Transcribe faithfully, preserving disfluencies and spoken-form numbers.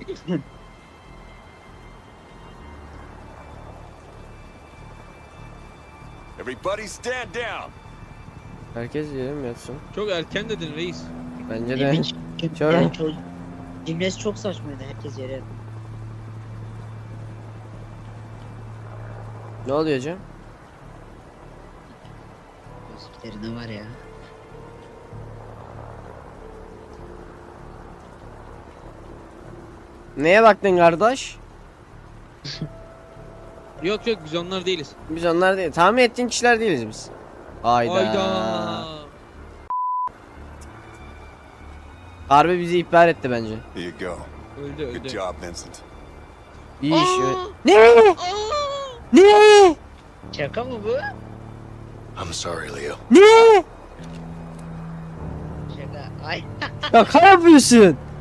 Everybody stand down. Herkes yere mi yatsın? Çok erken dedin reis. Bence de. İlginç. Çok- Yani çocuk cümlesi çok saçmaydı, herkes yere. Ne oluyor Cem? Gözlüklerinde var ya. Neye baktın kardeş? Yok yok biz onlar değiliz. Biz onlar değil. Tahmin ettiğin kişiler değiliz biz. Hayda. Hayda. Harbi bizi ihbar etti bence. Here you go. Öldü Good öldü. job, Vincent. İyi iş. Aa! Ne? Aa! Ne? Şaka mı bu? I'm sorry, Leo. Ne? Şaka. Ay. Şaka yapıyorsun.